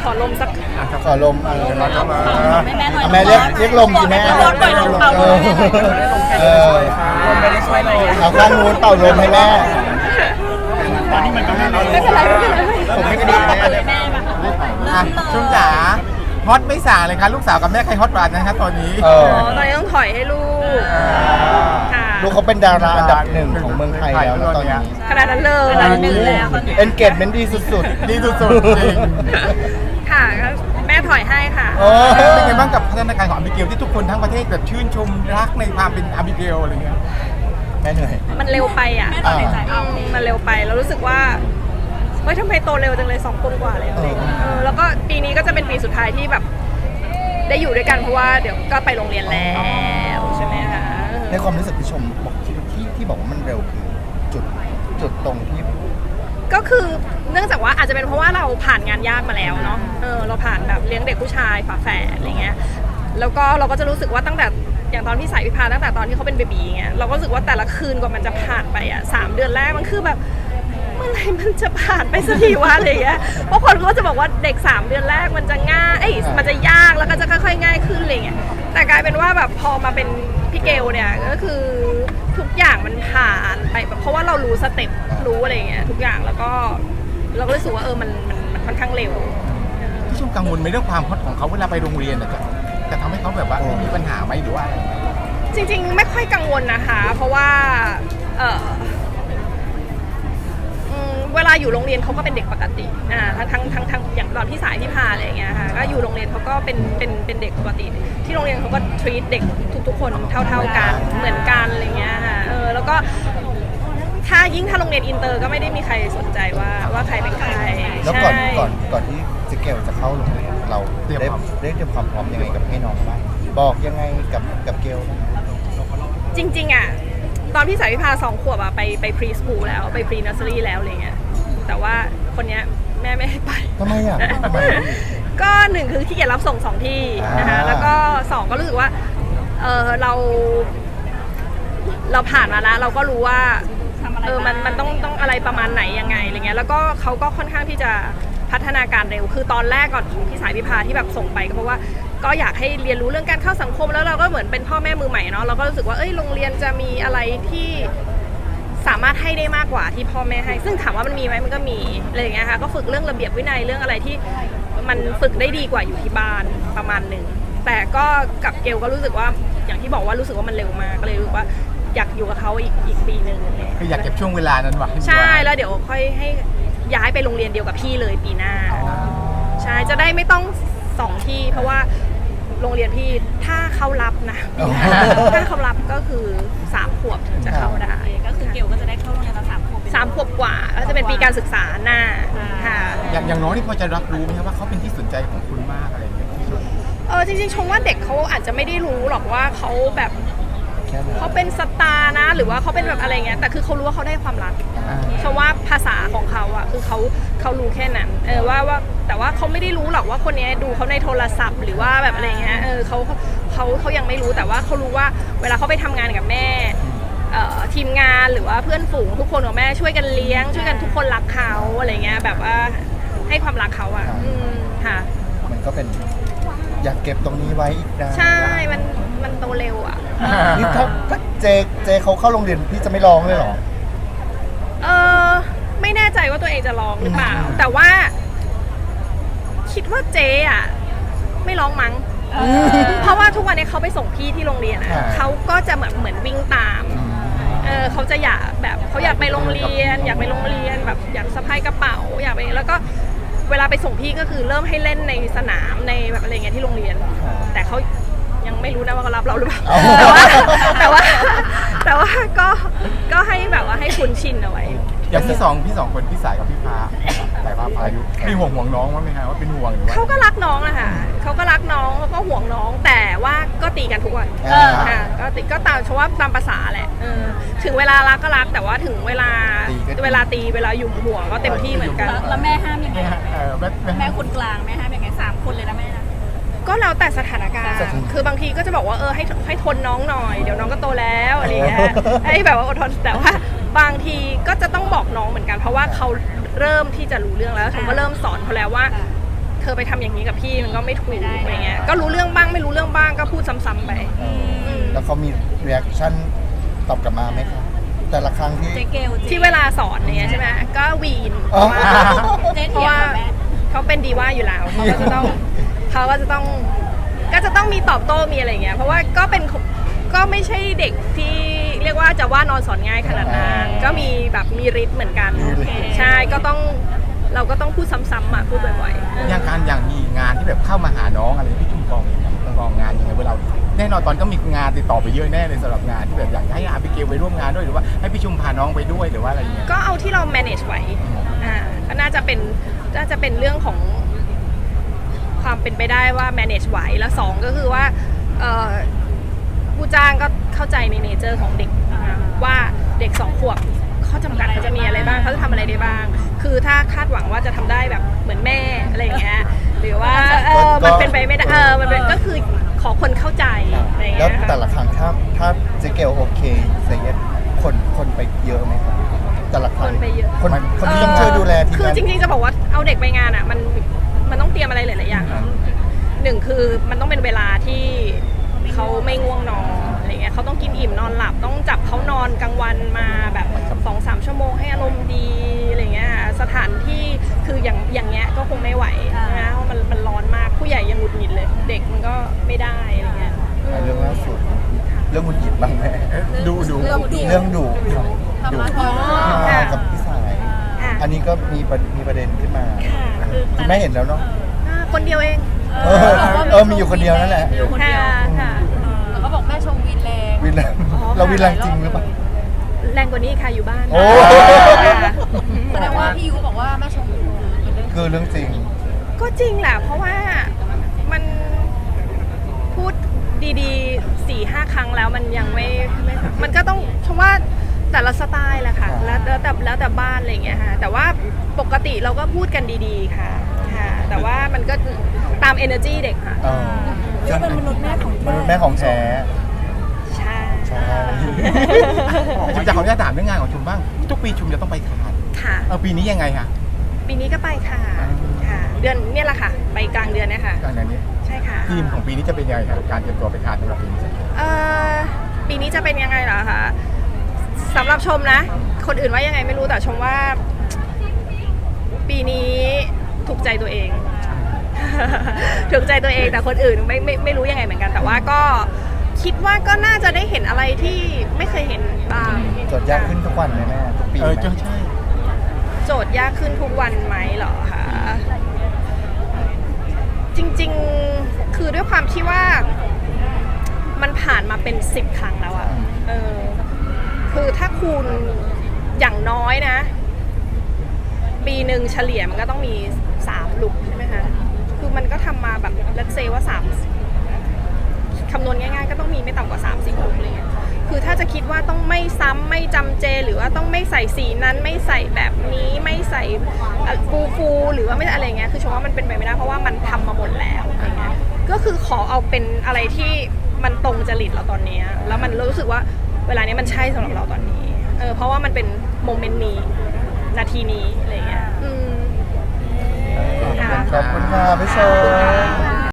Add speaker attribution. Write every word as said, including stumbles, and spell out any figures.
Speaker 1: อลมสัก
Speaker 2: ขอลมเออ
Speaker 3: แม่แม่หน่อย
Speaker 2: แม่เรียกเรียกลมสิแม่
Speaker 3: ลมปล่อยลมเป่าลม
Speaker 2: เออ
Speaker 4: ไม่ได้ช่วยเลย
Speaker 2: เอาข้างนู้นเป่าลมให้แม่
Speaker 4: ตอนนี้มันก็ไม่ได้
Speaker 1: ไม่เป็นไรไม่เป็นไร
Speaker 2: ผมไม่ได้แม่เลย
Speaker 3: แม่มา
Speaker 4: อ่ะชุ่มจ๋าฮอตไม่ส่างเลยครับลูกสาวกับแม่ใครฮอตกว่านะครับตอนนี้
Speaker 2: เอ
Speaker 1: อ๋
Speaker 2: อ
Speaker 1: อตอนนี้ต้องถอยให้ลูกค่ะ
Speaker 2: ลูกเขาเป็นดาราอันดับหนึ่งของเมืองไทยแล้วนะตอนนี้
Speaker 1: ขนาดนั้นเลย
Speaker 3: ขนาดนั้นเลยแล้ว
Speaker 2: เอนเกจเมนต์ดีสุดๆ
Speaker 4: ดีสุดๆจริง
Speaker 1: ค่ะก็แม่ถอยให้ค่ะ
Speaker 2: โอ้
Speaker 4: เป็นไงบ้างกับพัฒนาการของอาบิเกลที่ทุกคนทั้งประเทศแบบชื่นชมรักในความเป็นอาบิเกลอะไรเงี้ย
Speaker 2: แม่เหนื่อย
Speaker 1: มันเร็วไปอ่ะ
Speaker 3: แม่ตอนในใจเอา
Speaker 1: อืมมันเร็วไปแล้วรู้สึกว่าเฮ้ยทำไมโตเร็วจังเลยสองคนกว่าแล้วอะไรอย่างเงี้ยเออแล้วก็ปีนี้ก็จะเป็นปีสุดท้ายที่แบบ ได้อยู่ด้วยกันเพราะว่าเดี๋ยวก็ไปโรงเรียนแล้วใช่ไหมคะ
Speaker 2: ในความรู้สึกที่ชมบอกที่ที่ที่บอกว่ามันเร็วคือจุดจุดตรงที่
Speaker 1: ก็คือเนื่องจากว่าอาจจะเป็นเพราะว่าเราผ่านงานยากมาแล้วเนาะเออเราผ่านแบบเลี้ยงเด็กผู้ชายฝาแฝดอะไรเงี้ยแล้วก็เราก็จะรู้สึกว่าตั้งแต่อย่างตอนพี่สายวิภาตั้งแต่ตอนที่เขาเป็นเบบีเงี้ยเราก็รู้สึกว่าแต่ละคืนกว่ามันจะผ่านไปอ่ะสามเดือนแรกมันคือแบบเมื่อไหร่มันจะผ่านไปสักทีวะอะไรเงี้ยเพราะคนก็จะบอกว่าเด็กสามเดือนแรกมันจะง่ายเอ้ยมันจะยากแล้วก็จะค่อยๆง่ายขึ้นอะไรเงี้ยแต่กลายเป็นว่าแบบพอมาเป็นพี่เกลเนี่ยก็คือทุกอย่างมันผ่านไปแบบเพราะว่าเรารู้สเต็ปรู้อะไรเงี้ยทุกอย่างแล้วก็เราก็รู้สึกว่าเออมันมันมันค่อนข้างเร็ว
Speaker 4: ที่ชมกังวลไหมเรื่องความฮอตของเขาเวลาไปโรงเรียนอะจะจะทำให้เขาแบบว่ามีปัญหาไหมหรือว่าอะไร
Speaker 1: จริงๆไม่ค่อยกังวลนะคะ เพราะว่าเอออืมเวลาอยู่โรงเรียนเขาก็เป็นเด็กปกติอ่าทั้งทั้งทั้งอย่างตอนที่สายที่พาอะไรอย่างเงี้ยค่ะก็อยู่โรงเรียนเขาก็เป็นเป็นเป็นเด็กปกติ ที่โรงเรียนเขาก็ treat เด็กทุกๆคนเท่าๆกันเหมือนกันอะไรเงี้ยค่ะเออแล้วก็ถ้ายิ่งถ้าโรงเรียนอินเตอร์ก็ไม่ได้มีใครสนใจว่าว่าใครเป็นใคร
Speaker 2: แล้วก่อน
Speaker 1: ใช่
Speaker 2: ก่อนก่อนที่เจเกลจะเข้าโรงเรียนเราได้ได้เตรียมความพร้อมยังไงกับให้น้องบ้างบอกยังไงกับกับเกลบ้าง
Speaker 1: จริงๆอ่ะตอนพี่สายวิภาสองขวบอ่ะไปไปพรีสคูลแล้วไปพรีนัสเซอรี่แล้วอะไรเงี้ยแต่ว่าคนเนี้ยแม่ไม่ให้ไป
Speaker 2: ทำไมอ่ะทำไม
Speaker 1: ก็หนึ่งคือขี้เกียจรับส่งสองที่นะคะ
Speaker 2: อ่า
Speaker 1: แล้วก็สองก็รู้สึกว่าเออเรา เราผ่านมาแล้วเราก็รู้ว่า
Speaker 3: ทำอะไร
Speaker 1: เออมันมันต้องต้องอะไรประมาณไหนยังไงอะไรเงี้ยแล้วก็เขาก็ค่อนข้างที่จะพัฒนาการเร็วคือตอนแรกก่อนพี่สายพิพาที่แบบส่งไปก็เพราะว่าก็อยากให้เรียนรู้เรื่องการเข้าสังคมแล้วเราก็เหมือนเป็นพ่อแม่มือใหม่เนาะเราก็รู้สึกว่าเอ้ยโรงเรียนจะมีอะไรที่สามารถให้ได้มากกว่าที่พ่อแม่ให้ซึ่งถามว่ามันมีไหมมันก็มีอะไรอย่างเงี้ยค่ะก็ฝึกเรื่องระเบียบวินัยเรื่องอะไรที่มันฝึกได้ดีกว่าอยู่ที่บ้านประมาณหนึ่งแต่ก็กับเกลก็รู้สึกว่าอย่างที่บอกว่ารู้สึกว่ามันเร็วมากก็เลยรู้สึกว่าอยากอยู่กับเขาอีกอีกปีหนึ่ง
Speaker 4: คืออยากเก็บช่วงเวลานั้นไว้
Speaker 1: ใช่แล้วเดี๋ยวค่อยให้ย้ายไปโรงเรียนเดียวกับพี่เลยปีหน้าใช่จะได้ไม่ต้องสองที่เพราะว่าโรงเรียนพี่ถ้าเขารับนะถ้าเขารับก็คือสามขวบถึงจะเข้าได้
Speaker 3: ก็คือเกลก็จะได้เข้าโรงเรียนตอนสามขวบ
Speaker 1: สามขวบกว่าก็จะเป็นปีการศึกษาหน้าค่ะ
Speaker 4: อย่างอย่างน้องนี่พอจะรับรู้ไหมครับว่าเขาเป็นที่สนใจของคุณมากอะไรอย่างเงี้ยพี่ชม
Speaker 1: เออจริงๆชมว่าเด็กเขาอาจจะไม่ได้รู้หรอกว่าเขาแบบ
Speaker 2: แค่นั้น
Speaker 1: เขาเป็นสตาร์นะหรือว่าเขาเป็นแบบอะไรเงี้ยแต่คือเขารู้ว่าเขาได้ความรัก
Speaker 4: อ่า
Speaker 1: ชมว่าภาษาของเขาอะคือเขาเขารู้แค่นั้นเออว่าว่าแต่ว่าเขาไม่ได้รู้หรอกว่าคนนี้ดูเขาในโทรศัพท์หรือว่าแบบอะไรเงี้ยเออเขาเขาเขายังไม่รู้แต่ว่าเขารู้ว่าเวลาเขาไปทำงานกับแม่เอ่อทีมงานหรือว่าเพื่อนฝูงทุกคนของแม่ช่วยกันเลี้ยง ช่วยกันทุกคนรักเขาอะไรเงี้ยแบบว่าให้ความรักเขาอะอืมค่ะ
Speaker 2: มันก็เป็นอยากเก็บตรงนี้ไว้อีกนาน
Speaker 1: ใช่มันมันโตเร็วอะ
Speaker 2: นี่ถ้าถ้าเจเจเขาเข้าโรงเรียนพี่จะไม่ร้องเลยเหรอ
Speaker 1: เออไม่แน่ใจว่าตัวเองจะร้องหรือเปล่า แต่ว่า คิดว่าเจ๊อ่ะไม่ร้องมั้ง เพราะว่าทุกวันนี้เขาไปส่งพี่ที่โรงเรียนอ่ะ
Speaker 2: อ่า
Speaker 1: เขาก็จะเหมือนเหมือนวิ่งตามเออเขาจะอยากแบบเขาอยากไปโรงเรียน อยากไปโรงเรียนแบบอยากสะพายกระเป๋าอยากไปแล้วก็เวลาไปส่งพี่ก็คือเริ่มให้เล่นในสนามในแบบอะไรเงี้ยที่โรงเรียน แต่เขายังไม่รู้นะว่าเขารับเราหรือเปล่า แต่ว่าแต่ว่าแต่ว่าก็ก็ให้แบบว่าให้คุ้นชินเอาไว้
Speaker 4: อย่างพี่สองพี่สองคนพี่สายกับพี่พาสายพาพายุมีห่วงห่วงน้องมั้ยไหมฮะว่าเป็นห่วงหรือว่า
Speaker 1: เขาก็รักน้องนะคะเขาก็รักน้องเขาก็ห่วงน้องแต่ว่าก็ตีกันทุกวัน
Speaker 2: อ่า
Speaker 1: ค่ะก็ตีก็ตามชว่าตามภาษาแหละเออถึงเวลารักก็รักแต่ว่าถึงเวลา
Speaker 2: ตีก็ตี
Speaker 1: เวลาตีเวลาหยุ่มหัวก็เต็มที่เหมือนกัน
Speaker 3: แล้วแล้วแม่ห้ามยังไง
Speaker 4: เออแม่แม่
Speaker 3: แม่คนกลางแม่ห้ามยังไงสามคนเลยนะแม่นะ
Speaker 1: ก็แล้วแต่สถานการณ์
Speaker 2: สถาน
Speaker 1: คือบางทีก็จะบอกว่าเออให้ให้ทนน้องหน่อยเดี๋ยวน้องก็โตแล้วอะไรเงี้ยให้แบบว่าอดทนแต่ว่าบางทีก็จะต้องบอกน้องเหมือนกัน เพราะว่าเขาเริ่มที่จะรู้เรื่องแล้วฉันก็เริ่มสอนเขาแล้วว่าธอไปทำอย่างนี้กับพี่มันก็ไม่ถูกอะไรเงี้ยก็รู้เรื่องบ้างไม่รู้เรื่องบ้างก็พูดซ้ำๆไป
Speaker 2: เออแล้วเขามีรีแอคชั่นตอบกลับมาไหมคะแต่ละครั้งที่
Speaker 3: เจ๊เกล
Speaker 1: ที่เวลาสอนเนี่ยใช่ไหมก็วีนเพ
Speaker 2: อ๋อ
Speaker 1: ราะว่า
Speaker 3: เจ๊
Speaker 1: เพ
Speaker 3: เถี
Speaker 1: ราะ
Speaker 3: ยง
Speaker 1: ว่า
Speaker 3: กับแม่
Speaker 1: เขาเป็นดีว่าอยู่แล้วเขาก็จะต้องเขาก็จะต้องก็จะต้องมีตอบโต้มีอะไรเงี้ยเพราะว่าก็เป็นก็ไม่ใช่เด็กที่เรียกว่าจะว่านอนสอนง่ายขนาดนั้นก็มีแบบมีฤทธิ์เหมือนกันใช่ก็ต้องเราก็ต้องพูดซ้ำๆอ่ะพูดบ่อยๆ
Speaker 4: อย่างการอย่างมีงานที่แบบเข้ามาหาน้องอะไรพี่ชุมกองเนี่ยกองงานยังไงเวลาแน่นอนตอนก็มีงานติดต่อไปเยอะแน่เลยสำหรับงานที่แบบอยากให้อาบิเกลไปร่วมงานด้วยหรือว่าให้พี่ชุมพาน้องไปด้วยหรือว่าอะไรอย่างเงี้ย
Speaker 1: ก็เอาที่เรา manage ไหวอ่าก็น่าจะเป็นน่าจะเป็นเรื่องของความเป็นไปได้ว่า manage ไหวแล้วสองก็คือว่าเอ่อผู้จ้างก็เข้าใจในเนเจอร์ของเด็กนะว่าเด็กสองขวบข้อจำกัดเขาจะมีอะไรบ้างเขาจะทำอะไรได้บ้าง คือถ้าคาดหวังว่าจะทำได้แบบเหมือนแม่อะไรอย่างเงี้ยหรือว่าเออมันเป็นไปไม่ได้เออมันเป็นก็คือขอคนเข้าใจอะไรอย่าง
Speaker 2: แล้
Speaker 1: เงี้
Speaker 2: วย แต่ละครั้งถ้าถ้าเจ๊เกลโอเคเซเยสคนคนไปเยอะไหมครับแต่ละค
Speaker 1: ค
Speaker 2: รั้ง
Speaker 1: นไปเยอะ
Speaker 2: คนคนที่ต้องช่วยดูแลทีม
Speaker 1: คือง
Speaker 2: าน
Speaker 1: จริงๆจะบอกว่าเอาเด็กไปงานอ่ะมันมันต้องเตรียมอะไรหลายๆอย่างหนึ่งคือมันต้องเป็นเวลาที่เขาไม่ง่วงนอนอะไรเงี้ยเขาต้องกินอิ่มนอนหลับต้องจับเขานอนกลางวันมาแบบสองสามชั่วโมงให้อารมณ์ดีอะไรเงี้ยสถานที่คืออย่างอย่างเงี้ยก็คงไม่ไหวนะเพราะมันมันร้อนมากผู้ใหญ่ยังหงุดหงิดเลย เด็กมันก็ไม่ได้อะไรเงี้ยอืม
Speaker 2: เรื่องล่าสุดเรื่องมุนหยิบบ้างไหม
Speaker 4: ดูดู
Speaker 3: เรื่องดุ
Speaker 2: เรื่องดุดุ
Speaker 3: ทำร้าย
Speaker 2: พี่
Speaker 3: พ่อ
Speaker 2: พาวกับพี่สาย
Speaker 1: ค่ะ
Speaker 2: อันนี้ก็มีประมีประเด็นขึ้นมา
Speaker 1: ค่ะ
Speaker 2: คุณแม่เห็นแล้วเนาะ
Speaker 1: อ่าคนเดียวเอง
Speaker 2: เออเออมีอยู่คนเดียวนั่นแหละ
Speaker 3: อยู่คนเดียว
Speaker 1: ค่ะค่ะ
Speaker 3: แล้วก็บอกแม่ชมวินแรง
Speaker 2: วินแรง
Speaker 1: อ๋อ
Speaker 2: เราวินแรงจริงหรือเปล่า
Speaker 1: แรงกว่านี้ค่ะอยู่บ้าน
Speaker 2: โอ้
Speaker 1: ค่ะ
Speaker 3: แสดงว่าพี่ยูบอกว่าแม่ชมวินเป็นเรื่อง
Speaker 2: คือเรื่องจริง
Speaker 1: ก็จริงแหละ เพราะว่ามันพูดดีๆสี่ห้าครั้งแล้วมันยังไม่ไม่มันก็ต้องเพราะว่าแต่ละสไตล์แหละค่ะ แล้วแล้วแต่แล้วแต่บ้านอะไรอย่างเงี้ยค่ะแต่ว่าปกติเราก็พูดกันดีๆค่ะค่ะ แต่ว่ามันก็ตาม energy เด็กค่ะ
Speaker 2: เออ
Speaker 3: เรียกเป็นมนุษย์แม่ของ
Speaker 2: มนุษย์แม่ของแท้
Speaker 1: ใช่
Speaker 2: ใช่
Speaker 4: ชุมจะขออนุญาตถามเรื่องงานของชุมบ้างทุกปีชุมจะต้องไปคาน
Speaker 1: ค่ะ
Speaker 4: เออปีนี้ยังไงคะ
Speaker 1: ปีนี้ก็ไปค่ะค่ะ เดือนเนี่ยแหละค่ะ ไปกลางเดือนเนะคะ
Speaker 4: การนี้
Speaker 1: ใช่ค่ะ
Speaker 4: ทีมของปีนี้จะเป็นยังไงครับการเตรียมตัวไปคานสำหรับปีนี้
Speaker 1: เอ่อปีนี้จะเป็นยังไงเหรอคะสำหรับชมนะ คนอื่นว่ายังไงไม่รู้แต่ชมว่า ปีนี้ถูกใจตัวเอง ถูกใจตัวเองแต่คนอื่นไม่ไม่ไม่รู้ยังไงเหมือนกัน แต่ว่าก็คิดว่าก็น่าจะได้เห็นอะไรที่ไม่เคยเห็นบ้าง
Speaker 2: จดยากขึ้นทุกวันไหมแม่ทุกปี
Speaker 4: เออ
Speaker 2: ไหม
Speaker 4: ใช่ใช่
Speaker 1: โจทย์ยากขึ้นทุกวันไหมเหรอคะจริงๆคือด้วยความที่ว่ามันผ่านมาเป็นสิบครั้งแล้วอะเออคือถ้าคูณอย่างน้อยนะ ปีหนึ่งเฉลี่ยมันก็ต้องมีสามลุกใช่ไหมคะคือมันก็ทำมาแบบเลทเซว่าสามคำนวณง่ายๆ ก็ต้องมีไม่ต่ำกว่าสามสี่ลุกอะไรเงี้ยคือถ้าจะคิดว่าต้องไม่ซ้ำไม่จำเจ หรือว่าต้องไม่ใส่สีนั้นไม่ใส่แบบนี้ไม่ใส่ฟูฟูๆหรือว่าไม่อะไรเงี้ยคือชมว่ามันเป็นไปไม่ได้เพราะว่ามันทำมาหมดแล้วอะไรเงี้ยก็คือขอเอาเป็นอะไรที่มันตรงจริตเราตอนนี้แล้วมันรู้สึกว่าเวลานี้มันใช่สำหรับเราตอนนี้เออเพราะว่ามันเป็นโมเมนต์นี้นาทีนี้อะไรเงี้ยอืม
Speaker 2: ขอบคุณค่ะพี่ชม